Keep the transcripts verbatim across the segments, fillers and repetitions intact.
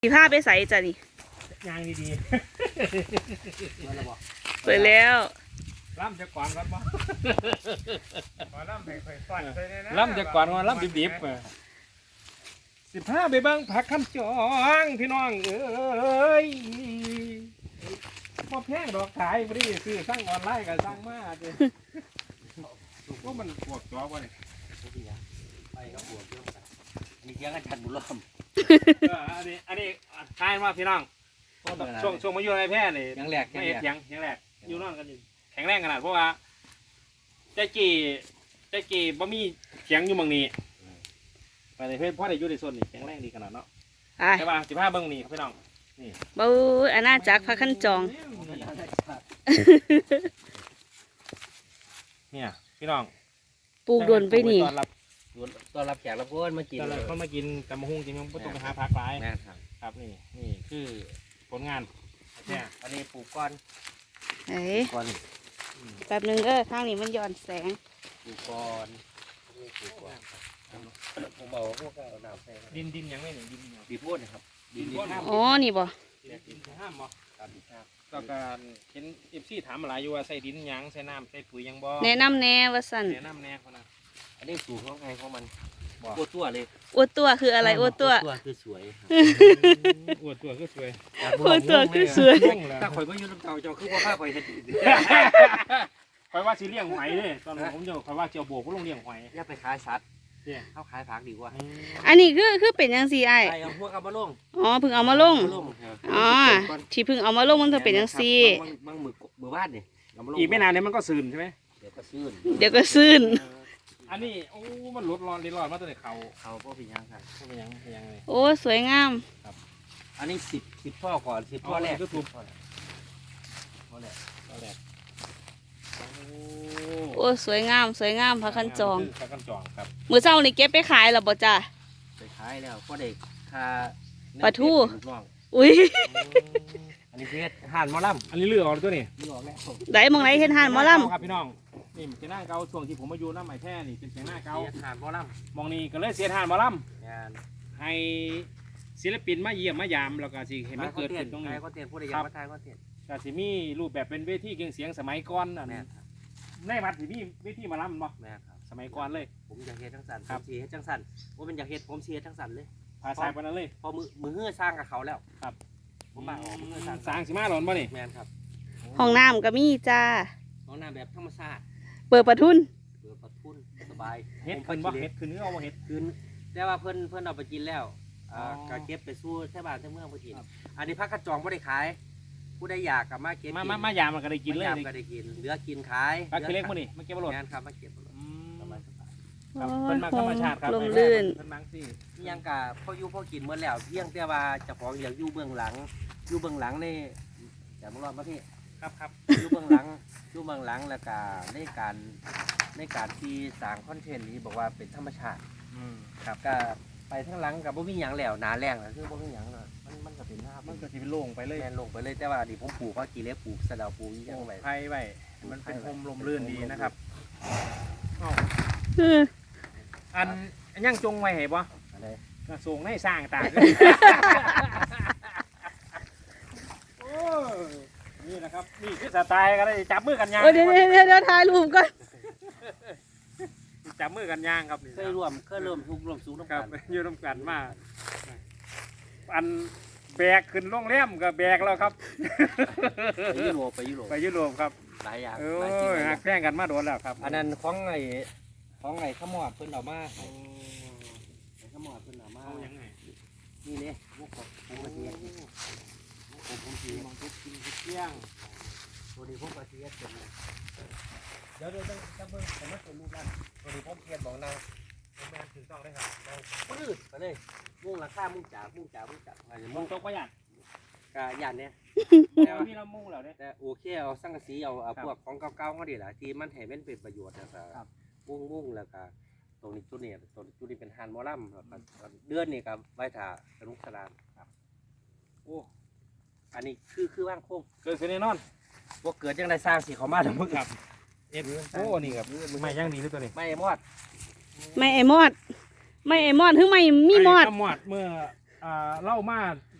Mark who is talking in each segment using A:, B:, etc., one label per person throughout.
A: สีผ้าไปใส่จ้ะนี่
B: ยางดี
A: ๆเปิดแล้ว
B: ล่ำจะก่อนครับมั้งล่ำไปก่อนล่ำจะก่อนว่าล่ำดิบๆสิบห้าไปเบิ้งผักคำจองพี่น้องเอ้ยพอแพงดอกขายพอดีคือสร้างออนไลน์กับสร้างมาเลยก็มันปวดจอวะเนี่ย
C: ไปก็ปวดเยอะมีเสียงอาจารย์บุญล้อม
B: อันนี้อันนี้ทายมาพี่น้องช่วงช่วงมาอยู่ในแพร่นี่
C: ยังแหลก
B: ไม่ยังยังแหลกอยู่นอนกันแข็งแรงขนาดเพราะว่าใจกี่ใจกี่บ่มีเสียงอยู่บางนี้ไปในเพศพ่อได้อยู่ในโซนนี่แข็งแรงดีขนาดเนาะใช่ป่ะสิบห้าเบิ้งนี่พี่น้องนี่
A: บูอาณาจักรพระขันจอง
B: เนี่ยพี่น้อง
A: ปลูกดนไปนี่
C: ตอนรับตอนรับแขกรับเพื่อนมากิน
B: ตอนรับเขามากินตำมะฮุ่งจริงๆไม่ต้องไปหาผักหลายครับนี่นี่คือผลงานเนี่ย
C: อันนี้ปลูกก้อน
A: เฮ้
C: ก้อน
A: แป๊บนึงเออข้างนี้มันย้อนแสง
C: ปลูกก้อนผมบอกว่าพวกเอาหนาวใส่
B: ดินดินยังไม่หนึ่งดิน
C: ดินพ่นนะครับ
A: ดินอ๋อนี่บ่
B: ดินห้ามบ่ครับดินห้ามก็การเห็นเอฟซีถามอะไรอยู่ว่าใส่ดินยังใส่น้ำใส่ปุ๋ยยังบ่
A: แนะนำแน่ว่าสั่น
B: แนะนำแน่คนนั้น
C: อันนี้สูตรของใครของมันอวดตัวเลย
A: อวดตัวคืออะไรอวดตัว
C: ตัวคือสวย
B: อวดตัวคือสวย
A: อวดตัวคือสวย
C: ถ้าข่อยไม่ยืนน้ำเต่าเจ้าคือว่าข้าข่อยเห็น
B: ข่อยว่าสิเลี้ยงหอยเลยตอนนั้นผมจะข่อยว่าเจียวโบกก็ลงเลี้ยงหอย
C: อย่าไปขายสัตว์เขาขายผักดีกว่า
A: อันนี้คือคือเป็นยังสี่ไอ้
C: เอาพวกเอามาลง
A: อ๋อเพิ่งเอามาลงอ๋อที่เพิ่งเอามาลงมันจะเป็นยังสี่
C: บางมือมือบ้านนี่
B: อีกไม่นานเนี่ยมันก็ซึมใช่ไหม
C: เดี๋ยวก็ซื่น
A: เดี๋ยวก็ซื่น
B: อันนี้โอ้มันลดร้อนร้อนมาตั้งแต่เขา
C: เขาพ่อพี่ยังครับ
B: พ่อพี่ยังพี่ยังเลย
A: โอ้สวยงาม
C: ครับอันนี้สิบสิบพ่อก่อนสิบพ่อแรก
B: ก็ถูก
C: พ่อแรก
B: พ่อแรก
A: โอ้สวยงามสวยงามพระขันจอง
B: พระขันจองครับ
A: มือเจ้านี่เก็บไปขายหรอบ่จ้า
C: ไปขายแล้วพ่อเด็กคา
A: ปลาทู
C: อุ้ยอันนี้เพชรห่านมอลำ
B: อันนี้เลือกออกตัวนี้
C: เลือกออกแล้ว
A: ได้มองไหนเห็นห่านมอลำ
B: ครับพี่น้องนี่เป็นหน้าเก่าช่วงที่ผมมาอยู่น้ำใหม่แท้นี่เป็นเสียงหน้าเก่า
C: ห่านมอล
B: ำมองนี่ก็เลยเสียห่านมอลำให้ศิลปินมาเยี่ยมมายามแล้วก็สิเห็นมันเกิดขึ้นตรงนี้
C: ก็เตียนผู้ใดอยากมาทายก็เตียน
B: ก็สิมีรูปแบบเป็นเวทีเก่งเสียงสมัยก่อนอันนี้ในวัดสิมีเวทีมาลำบ่
C: แม่ครับ
B: สมัยก่อนเลย
C: ผมอยากเฮ็ดจังสันผมสีเฮ็ดจังสันว่าเป็นอยากเฮ็ดผมสีเฮ็ดจังสันเลย
B: ภาษาปนั้นเลย
C: พอมือมือเฮือสร้างกับเขาแล้ว
B: ครับ
C: ผมมาออกมือเฮือสร้าง
B: สร้างสิมาหลอนบ่นี่
C: แม่ครับ
A: ห้องน้ำก็มีจ้า
C: ห้องน้ำแบบธรรมชาติ
A: เปิดประทุน
C: เปิดประทุนสบาย
B: เฮ็ดขึ้นบ่เฮ็ดขึ้นเนื้อเอาบ่เฮ็ด
C: ขึ้นแต่ว่าเพิ่นเพิ่นเอาไปกินแล้วอ่าก็เก็บไปสู้แท่บ้านแท่เมืองไปกินอันนี้พักกระจองไม่ได้ขายผู้ใดอยากกับมาเก็บ
B: มามามายามมันก็ได้กินเลย
C: ยามก็ได้กินเหลือกินขาย
B: พักเล็กมื้อนี่มาเก็บบ่หลด
C: งานครับมาเก็บบ่หลดสบายสบาย
B: ครับเพิ่นมาธรรมชาติครับ
A: ลมลื่น
B: เพิ่นมังสิ
C: ยังกะพ่ออยู่พ่อกินเมื่อแล้วเพียงแต่ว่าเจ้าของอยากอยู่เบื้องหลังอยู่เบื้องหลังนี่อย่ามารอดมาพี่
B: ครับครับ
C: อยู่เบื้องหลังอยู่เบื้องหลังแล้วก็ในการในการที่สร้างคอนเทนต์นี้บอกว่าเป็นธรรมชาติครับก็ไปทั้งหลังกับบ่มีหยังแล้วหนาแรงนะคือบ่มีหยังเลยมันมันก็เป็นหน้า
B: มันก็สิเป็นโล่งไปเลย
C: แม่นลงไปเลยแต่ว่าดิผมปลูกก็กี่เล็บปลูกสะเดาปลูกยังไง
B: ไผ่ไว้มันเป็นโฮมลมลื่นดีนะครับอันยังจงไว้ให้บ่
C: อะไร
B: กระทรวงให้สร้างต่างโอ้นี่นะครับนี่คือสไตล์กันเลยจับมือกันย่าง
A: เดี๋ยวเดี๋ยวเดี๋ยวถ่ายรูปก่อน
B: จับมือกันย่างครับ
C: เคยรวมเคยรวมทุกรวมสูงน้ำกัน
B: อยู่น้ำกันมากอันแบกขึ้นโรงแรมกับแบกแล้วครับ
C: ไปยุโรปไปยุโรป
B: ไปยุโรปครับ
C: หลายอย่าง
B: เออหักแข่งกันมาโดนแล้วครับ
C: อันนั้นของไอ้ของไอ้ขมอดเพิ่นเอามาขมอดเพิ่นเอามา
B: ยังไง
C: นี่เนี่ยพวกผมผมกระเทียมผมผมสีมังคุดกินเที่ยงตัวนี้ผมกระเทียมเป็นเดี๋ยวเดี๋ยวจะเบิ่งแต่ไม่เป็นรูปร่างตัวนี้ผมเทียนบอกนาง
B: ผมแม่ถือต้องได้ครับ
C: เราปื้ดไปเลยมุ่งราคามุ่งจ่ามุ่งจ่ามุ่งจ่าอะไร
B: มุ่งตกประหยัด
C: กะยันเนี่ย
B: แต่ที่เรามุ่งแล้วเนี่ย
C: แต่โอเคเอาสังกะสีเอาพวกของเก่าๆเขาดีแหละที่มันให้มันเป็นประโยชน์นะครับมุ่งมุ่งแล้วก็ตรงนี้จุดนี้ตรงจุดนี้เป็นฮันมอลัมเดือนนี่กับใบถาสนุกสนานครับโอ้อันนี้คือคือว่างโค้ง
B: เกิดขึ้นแน่นอน
C: ว่าเกิดยังได้สร้างสีเขามาถึงมึงครับ
B: เอ็ดโอ้นี่ครับไม่ย่างดีด้วยตัวนี้
C: ไม่มอด
A: ไม่ไอมอดไม่ไอมอดถึงไม่มีมอด
B: มอดเมื่อเล่ามา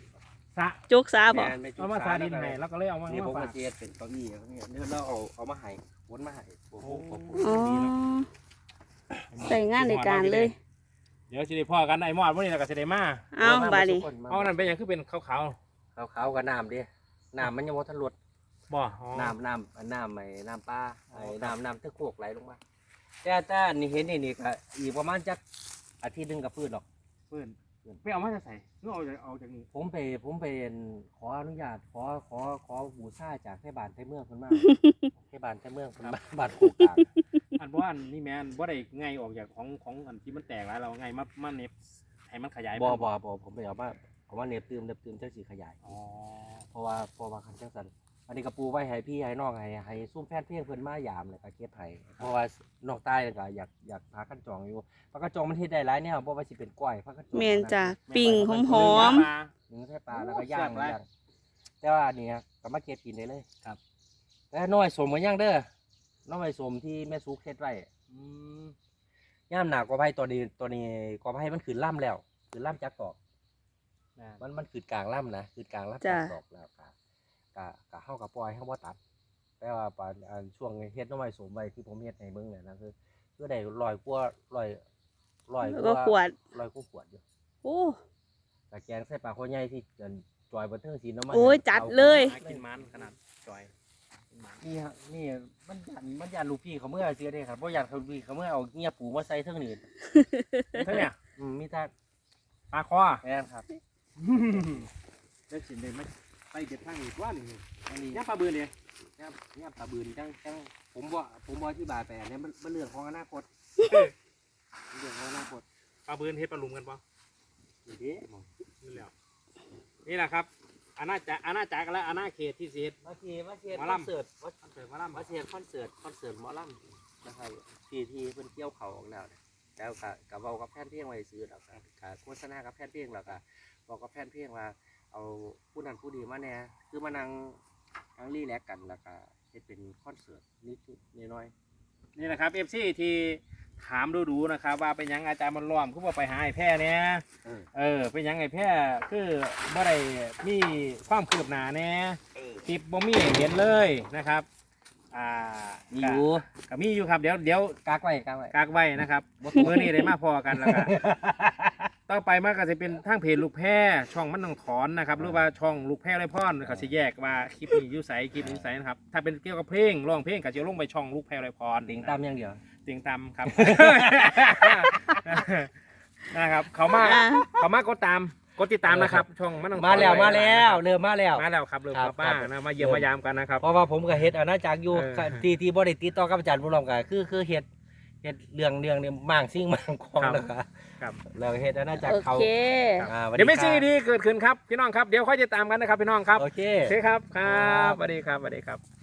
B: สะ
A: จกซาบ่
C: แม่นไปจุ
B: เอามาสาดินให้แล้วก็เลยเอามา
C: นี่ผม
B: ฝา
C: ก็
B: ก
C: เสียเป็นเก้าอี้ครับเนี่ยเดี๋ยวเราเอาเอามาให้วนมาให้โอ้โห
A: อ๋อใส่งานในการเลย
B: เดี๋ยวสิได้พ่อกันไอ้มอดมื้อนี้แล้วก็สิได้มา
A: เอาบาดนี้
B: เอานั่นเป็นหยังคือเป็นขาว
C: ขาวๆกับน้ำดิน้ำมันยังบ่ทันลด
B: ๆบ่อ๋อ
C: น้ำน้ำน้ำไอ้น้ำปลาไอ้น้ำน้ำตะโขกไหลลงมาแต่แต่นี่เห็นนี่นี่ก็อีกประมาณจักอาทิตย์หนึงกับพืชหรอก
B: เพิ่นไปเอามาจะใส่เนื้อเอาจากเอาจากนี้
C: ผมไปผมไปขออนุญาตขอขอขอบูชาจากเทศบาลเทศเมืองเพิ่นมา เทศบาลเทศเมืองเพิ่นมาบ้านโคกกลาง
B: อันบ่อันนี่แม่นบ่ได้ไงออกจากของของอันที่มันแตกแล้วเราไงมามาเน็บให้มันขยาย
C: บ่บ่บ่ผมไปเอามาเอามาเน็บตืมเน็บตืมจังสิขยาย
B: อ๋อ
C: เพราะว่าเพราะว่าคันจังซั่นอันนี้ก็ปูไว้ให้พี่ให้น้องให้ให้ซุ่มแฟนเพลงเพิ่นมายามแล้วก็เก็บให้เพราะว่านอกใต้ก็อยากอยากพากันจองอยู่พากันจองมันเฮ็ดได้หลายแนวบ่ว่าสิเป็นก้อยพากันจอง
A: แม่นจ้ะปิ้งหอม
B: ปลา
C: หนึ่งใส่ปลาแล้วก็ย่าง
B: แซ่บหลาย
C: ย่างแต่ว่าอันนี้ก็มาเก็บกินได้เลยครับแต่น้อยสมกันย่างเด้อน้อยสมที่แม่สุกเฮ็ดไว้
B: อืม
C: ย่ามหนากว่าไผ่ตัวนี้ตัวนี้กว่าไผ่มันขึ้นล่ำแล้วขึ้นล่ำจากตอก
B: นะ
C: มันมันขึ้นกลางล่ำนะขึ้นกลางล่ำ
A: จ้ะ
C: จากตอกแล้วกะกะกะเฮากับปล่อยเฮาบ่ตัด แต่ว่าปานอันช่วงเฮ็ดน้อยสมไว้ที่ผมเฮ็ดให้เบิ่งเนี่ยนะคือคือได้ร้อยกว่าร้อยร้อย
A: แล้วก็ขวด
C: ร้อยกว่าขวดอยู่
A: โอ้
C: กะแกงใส่ปลาโคใหญ่ที่เกินจอยบันเทิงศิลป์เอามา
A: โอ้ย
C: ให้
A: จัด
C: อา
A: เลย
B: หากินมันขนาดจอยกินมัน
C: นี่ฮะนี่มันยันมันยันลูกพี่เขาเมื่อเสียเด้ครับบ่ยันเขาลูกพี่เขาเมื่อเอาเงียปูมาใส่เทิงนี่
B: เท่าเนี่ย
C: อืมมีแต่
B: ปลาคอ
C: แม่นครับ
B: ได้สินเลยไม่ไปเก็บทางอีกว่านี่
C: อันนี้
B: ย่าปลาบืนเนี่ย
C: เนี่ยเนี่ยปลาบืนจังจังผมว่าผมว่าที่บายไปอันนี้มันมันเรื่องของอนาคตเรื่องของอนาคต
B: ปลาบืนเฮ็ดปลาลุมกันปะ
C: นี่เด้
B: นี่แหละนี่แหละครับอาณาจักรอาณาจักรและอาณาเขตที่สิเฮ็ด
C: มาเทีมาเทีย
B: หมอ
C: ค
B: ลำ
C: อนเสิร์ตมา
B: คอนเสิร์ตมาล่ำ
C: มาเทียคอนเสิร์ตคอนเสิร์ตหมอลำนะครับที่ที่เพิ่นเกี่ยวเขาออกแล้วเนี่ยแล้วก็กับเว้ากับแพนเพลงไว้ซื้อแล้วก็ก็โฆษณากับแพนเพลงแล้วก็บอกกับแพนเพลงว่าเอาผู้นั้นผู้ดีมาแน่คือมานั่งนั่งรีแลกซ์กันแล้วก็เฮ็ดเป็นคอนเสิร์ตนิดๆน้อย
B: นี่นะครับเอฟซีที่ถามดูๆนะครับ ว่าเป็นหยังอาจารย์มันล้อมคือว่าไปหาไอ้แพร่เนี่ย
C: ๆเออ
B: เออเป็นหยังไอ้แพร่คือบ่ได้มีความคืบหน้าแน่
C: เออ
B: คลิปบ่มีให้เห็นเลยนะครับอ่า
C: มีอยู่
B: ก็มีอยู่ครับเดี๋ยวเดี๋ยว
C: กักไว้กักไว้
B: กากไว้นะครับเมื่อนี้ได้มาพอกันแล้วก็ต่อไปมันก็จะเป็นทางเพจลูกแพร่ช่องมันต้องถอนนะครับหรือว่าช่องลูกแพร่ไรพ่อนเขาสิแยกว่าคลิปนี้อยุ่ใสคลิปนี้อยุ่ใสนะครับถ้าเป็นเกี่ยวกับเพลงร้องเพลงก็จะลงไปช่องลูกแพร่ไรพร
C: ติงตามอย่างเดียว
B: ติงตามครับ นะครับเขามา
A: อ่า
B: เขามากดตามกดติดตามนะครับ ช่องมันต้องถอน
C: มาแล้ว
B: ไ
C: มาแล้วเริ่มมาแล้ว
B: มาแล้วครับเริ่ม
C: ครับ
B: กลับมา
C: ครับ
B: นะมาเยี่ยมมายามกันนะครับ
C: เพราะว่าผมก็เฮ็ดอาณาจักรอยู่
B: เออ
C: ที่ที่บ่ได้ติดต่อกับอาจารย์บุญรอมก็คือคือเฮ็ดเฮ็ดเรื่องเรื่องเนี่ยมั่งซิ่งมั่งของ
B: ครับ
C: แล้วก็
B: ครับ
C: แล้วก็เฮ็ดอาณาจักร
A: โอ
C: เขา
A: เค
C: อ่าสส
B: เดี๋ยวไม่ซี
C: ครับ
B: ดีเกิดขึ้นครับพี่น้องครับเดี๋ยวค่อยติดตามกันนะครับพี่น้องครับ
C: โอเค
B: โอเคครับครั
C: ครับ บ
B: สวัสดีครับสวัสดีครับ